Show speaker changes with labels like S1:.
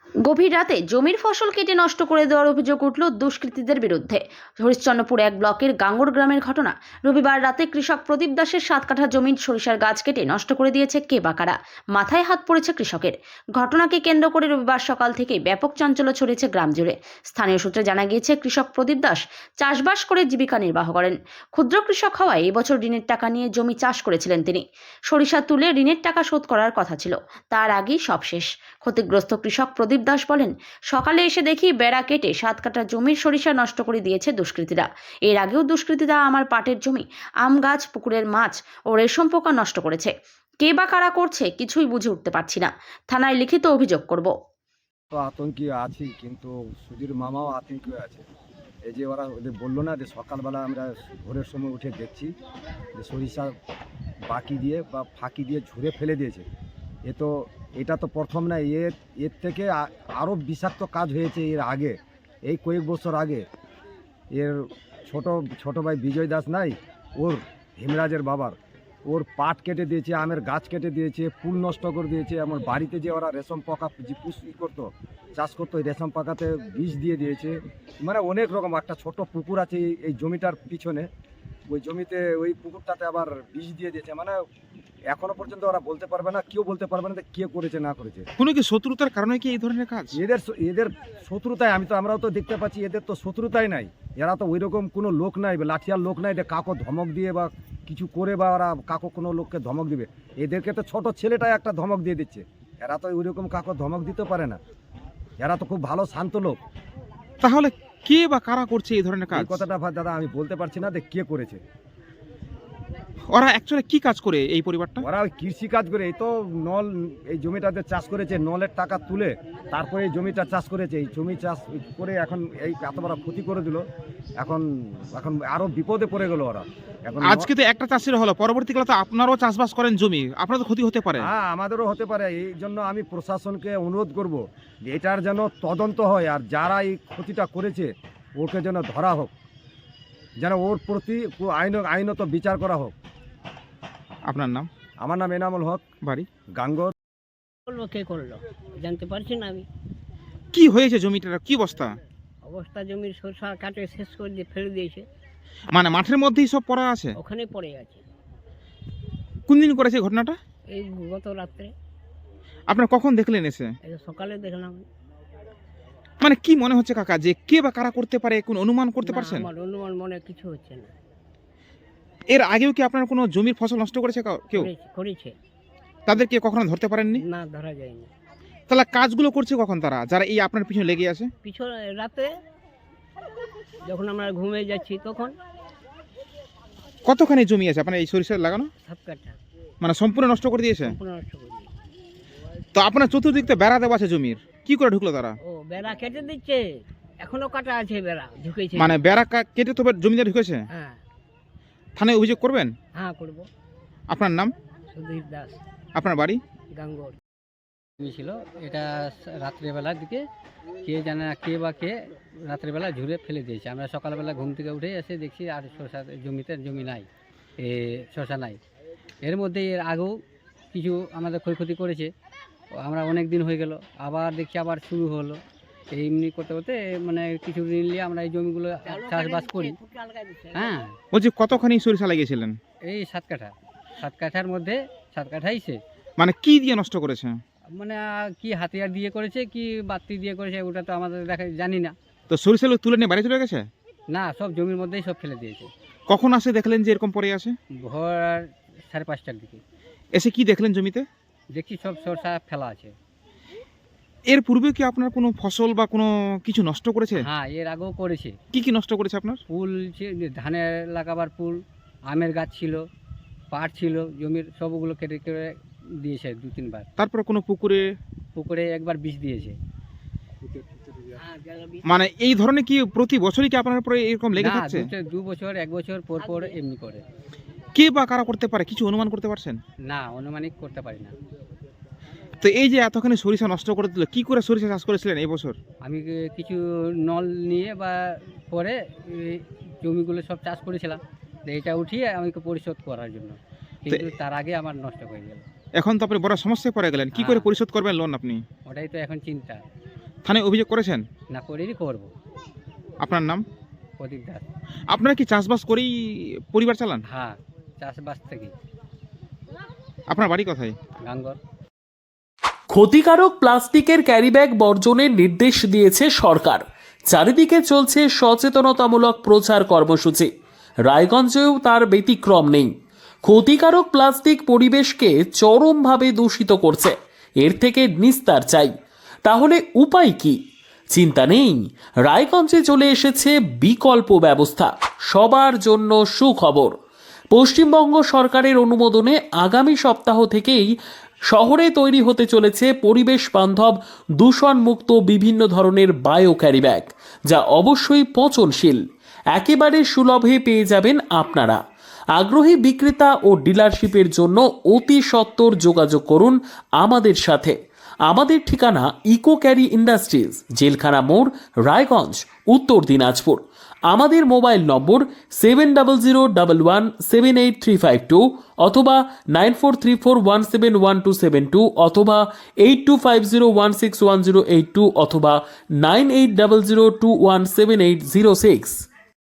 S1: গভীর রাতে জমির ফসল কেটে নষ্ট করে দেওয়ার অভিযোগ উঠল দুষ্কৃতীদের বিরুদ্ধে। হরিশ্চন্দ্রপুর এক ব্লকের গাঙ্গুর গ্রামের ঘটনা। রবিবার রাতে কৃষক প্রদীপ দাসের 7 কাঠা জমির সরিষার গাছ কেটে নষ্ট করে দিয়েছে কে বা কারা। মাথায় হাত পড়েছে কৃষকের। ঘটনাকে কেন্দ্র করে রবিবার সকাল থেকেই ব্যাপক চাঞ্চল্য ছড়িয়েছে গ্রাম জুড়ে। স্থানীয় সূত্রে জানা গিয়েছে, কৃষক প্রদীপ দাস চাষবাস করে জীবিকা নির্বাহ করেন। ক্ষুদ্র কৃষক হওয়ায় এবছর ঋণের টাকা নিয়ে জমি চাষ করেছিলেন তিনি। সরিষা তুলে ঋণের টাকা শোধ করার কথা ছিল, তার আগেই সব শেষ। ক্ষতিগ্রস্ত কৃষক প্রদীপ দাস বলেন, সকালে এসে দেখি বেড়া কেটে 7 কাঠা জমির সরিষা নষ্ট করে দিয়েছে দুষ্কৃতীরা। এর আগেও দুষ্কৃতীরা আমার পাটের জমি, আম গাছ, পুকুরের মাছ ও রেশম পোকা নষ্ট করেছে। কে বা কারা করছে কিছুই বুঝে উঠতে পারছি না। থানায় লিখিত অভিযোগ করব।
S2: তো আতঙ্কে আছি, কিন্তু সুধীর মামাও আতঙ্কে আছে। এই যে ওরা ওদের বললো না যে সকালবেলা আমরা ভোরের সময় উঠে দেখছি যে সরিষা বাকি দিয়ে বা ফাঁকি দিয়ে ঝুড়ে ফেলে দিয়েছে। এটা তো প্রথম না, এর থেকে আরও বিষাক্ত কাজ হয়েছে এর আগে, এই কয়েক বছর আগে। এর ছোট ভাই বিজয় দাস নাই, ওর হিমরাজের বাবার, ওর পাট কেটে দিয়েছে, আমের গাছ কেটে দিয়েছে, ফুল নষ্ট করে দিয়েছে। আমার বাড়িতে যে ওরা রেশম পোকা যে করতো, চাষ করতো, ওই রেশম পোকাতে বিষ দিয়ে দিয়েছে। মানে অনেক রকম। একটা ছোট পুকুর আছে এই জমিটার পিছনে, ওই জমিতে ওই পুকুরটাতে আবার বিষ দিয়ে দিয়েছে। মানে এখনো পর্যন্ত ওরা বলতে পারবে না, কেউ বলতে পারবে না যে কে করেছে না করেছে।
S3: কোনো কি শত্রুতার কারণে কি এই ধরনের কাজ?
S2: এদের শত্রুতায় আমরাও তো দেখতে পাচ্ছি, এদের তো শত্রুতাই নাই। এরা তো ওই রকম কোনো লোক নাই, লাঠিয়ার লোক নাই যে কাকো ধমক দিয়ে বা কিছু করে বা ওরা কাকো কোনো লোককে ধমক দিবে। এদেরকে তো ছোট ছেলেটাই একটা ধমক দিয়ে দিচ্ছে। এরা তো ওই রকম কাকো ধমক দিতে পারে না। এরা তো খুব ভালো শান্ত লোক।
S3: তাহলে কে বা কারা করছে এই ধরনের কাজ?
S2: এই কথাটা দাদা আমি বলতে পারছি না যে কে করেছে।
S3: ওরা অ্যাকচুয়ালি কি কাজ করে এই পরিবারটা?
S2: ওরা ওই কৃষি কাজ করে। এই তো এই জমিটাতে চাষ করেছে, নলের টাকা তুলে তারপরে এই জমিটা চাষ করেছে। এই জমি চাষ করে এখন এই এত বড় ক্ষতি করে দিল। এখন আরো বিপদে পড়ে গেল ওরা। এখন
S3: আজকে তো একটা চাষির হলো, পরবর্তীকালে তো আপনারাও চাষবাস করেন জমি, আপনার তো ক্ষতি হতে পারে।
S2: হ্যাঁ, আমাদেরও হতে পারে। এই জন্য আমি প্রশাসনকে অনুরোধ করব যে এটার যেন তদন্ত হয়, আর যারা এই ক্ষতিটা করেছে ওকে যেন ধরা হোক, যেন ওর প্রতি আইনত বিচার করা হোক।
S3: আপনার নাম?
S2: আমার নাম এনামুল হক,
S3: বাড়ি?
S2: গাঙ্গর।
S4: করলো কে করলো জানতে পারছি না আমি।
S3: কি হয়েছে জমিটার, কি অবস্থা?
S4: অবস্থা জমির সরষা কাটে শেষ করে দিয়ে ফেলে দিয়েছে,
S3: মানে মাঠের মধ্যেই সব পড়া আছে?
S4: ওখানে পড়ে আছে।
S3: কোন দিন করেছে ঘটনাটা?
S4: এই গত রাত্রে।
S3: আপনারা কখন দেখলেন এসে?
S4: এই সকালে দেখলাম।
S3: মানে কি মনে হচ্ছে কাকা, যে কে বা কারা করতে পারে, কোন অনুমান করতে
S4: না,
S3: পারছেন?
S4: আমার অনুমান মনে কিছু হচ্ছে না।
S3: এর আগেও কি আপনার কোনো জমির ফসল নষ্ট করেছে কেউ?
S4: করেছে।
S3: তাদেরকে কখনো ধরতে পারেননি?
S4: না, ধরা যায়নি।
S3: তাহলে কাজগুলো করছে কখন তারা, যারা এই আপনার পিছনে লেগে আছে?
S4: পিছনে রাতে যখন আমরা ঘুমিয়ে যাচ্ছি তখন।
S3: কতখানি জমি আছে আপনার এই সরিষা লাগানো?
S4: 7 কাঠা
S3: মানে সম্পূর্ণ নষ্ট করে দিয়েছে?
S4: সম্পূর্ণ নষ্ট করে দিয়েছে।
S3: তো আপনার চতুর্দিক তো বেড়া দেওয়া আছে জমির, কি করে ঢুকলো তারা?
S4: ও বেড়া কেটে দিচ্ছে, এখনো কাটা আছে বেড়া, ঢুকেছে।
S3: মানে বেড়া কেটে তো জমিতে ঢুকেছে?
S4: হ্যাঁ।
S3: থানায় অভিযোগ করবেন?
S4: হ্যাঁ, করবো।
S3: আপনার নাম?
S4: সুধীর দাস,
S3: আপনার বাড়ি?
S4: গাঙ্গর।
S5: ছিল এটা রাত্রেবেলার দিকে, কে জানে না কে বা কে রাত্রেবেলা ঝুড়ে ফেলে দিয়েছে। আমরা সকালবেলা ঘুম থেকে উঠে এসে দেখছি আর শসা জমি নাই, শসা নাই। এর মধ্যে এর আগেও কিছু আমাদের ক্ষয়ক্ষতি করেছে। আমরা অনেক দিন হয়ে গেল, আবার দেখছি আবার শুরু হলো। এমনি করতে করতে মানে কিছু ঋণ নিয়ে আমরা এই জমিগুলো চাষবাস করি। হ্যাঁ,
S3: বলছি কতখানি সরিষা লাগিয়েছিলেন?
S5: এই 7 কাঠা, 7 কাঠার মধ্যে 7 কাঠাই শেষ।
S3: মানে কি দিয়ে নষ্ট করেছে?
S5: মানে কি হাতিয়ার দিয়ে করেছে কি বাতি দিয়ে করেছে ওটা তো আমাদের দেখা জানি না।
S3: তো সরিষা তুলে নিয়ে বাড়ি চলে গেছে?
S5: না, সব জমির মধ্যেই সব ফেলে দিয়েছে।
S3: কখন আসে দেখলেন যে এরকম পড়ে আছে?
S5: ভোর 5:30টার দিকে
S3: এসে কি দেখলেন জমিতে?
S5: দেখছি সব সরষা ফেলা আছে।
S3: এর পূর্বে কি আপনার কোনো ফসল বা কোনো কিছু নষ্ট করেছে?
S5: হ্যাঁ, এর আগেও করেছে।
S3: কি কি নষ্ট করেছে আপনার?
S5: ফুল ধানের লাগাবার ফুল, আমের গাছ ছিল, পাট ছিল, জমির সবগুলো কেটে কেটে দিয়েছে 2-3 বার।
S3: তারপর কোনো
S5: পুকুরে একবার বিষ দিয়েছে।
S3: মানে এই ধরনের কি প্রতি বছরই কি আপনার উপরে এরকম লেগে
S5: না,
S3: থাকছে?
S5: 2 বছর 1 বছর পর পর এমনি করে।
S3: কে বা কারা করতে পারে, কিছু অনুমান করতে পারছেন?
S5: না, অনুমানিক করতে পারি না।
S3: তো এই যে এতখানি সরিষা নষ্ট করে দিল, কি করে সরিষা চাষ করেছিলেন এই বছর?
S5: আমি কিছু নল নিয়ে বা পরে এই জমিগুলো সব চাষ করেছিলাম, এটা উঠিয়ে আমাকে পরিশোধ করার জন্য, কিন্তু তার আগে আমার নষ্ট হয়ে গেল।
S3: এখন তো আপনি বড় সমস্যায় পড়ে গেলেন, কি করে
S5: হ্যাঁ।
S3: পরিশোধ করবেন লোন আপনি?
S5: ওটাই তো এখন চিন্তা।
S3: থানায় অভিযোগ করেছেন?
S5: না করেই করবো।
S3: আপনার নাম?
S5: প্রদীপ দাস।
S3: আপনারা কি চাষবাস করেই পরিবার চালান?
S5: হ্যাঁ, চাষবাস থেকে।
S3: আপনার বাড়ি কোথায়?
S5: গাঙ্গর।
S6: ক্ষতিকারক প্লাস্টিকের ক্যারিব্যাগ বর্জনের নির্দেশ দিয়েছে সরকার। চারিদিকে চলছে সচেতনতামূলক প্রচার কর্মসূচি। রায়গঞ্জেও তার ব্যতিক্রম নেই। ক্ষতিকারক প্লাস্টিক পরিবেশকে চরমভাবে দূষিত করছে। এর থেকে নিস্তার চাই। তাহলে উপায় কি? চিন্তা নেই, রায়গঞ্জে চলে এসেছে বিকল্প ব্যবস্থা। সবার জন্য সুখবর। পশ্চিমবঙ্গ সরকারের অনুমোদনে আগামী সপ্তাহ থেকেই শহরে তৈরি হতে চলেছে পরিবেশ বান্ধব দূষণমুক্ত বিভিন্ন ধরনের বায়ো ক্যারিব্যাগ, যা অবশ্যই পচনশীল। একেবারে সুলভে পেয়ে যাবেন আপনারা। আগ্রহী বিক্রেতা ও ডিলারশিপের জন্য অতি সত্বর যোগাযোগ করুন আমাদের সাথে। আমাদের ঠিকানা ইকো ক্যারি ইন্ডাস্ট্রিজ, জেলখানা মোড়, রায়গঞ্জ, উত্তর দিনাজপুর। আমাদের মোবাইল নম্বর 7001178352 অথবা 9434171272 অথবা 8250161082 অথবা 9800217806।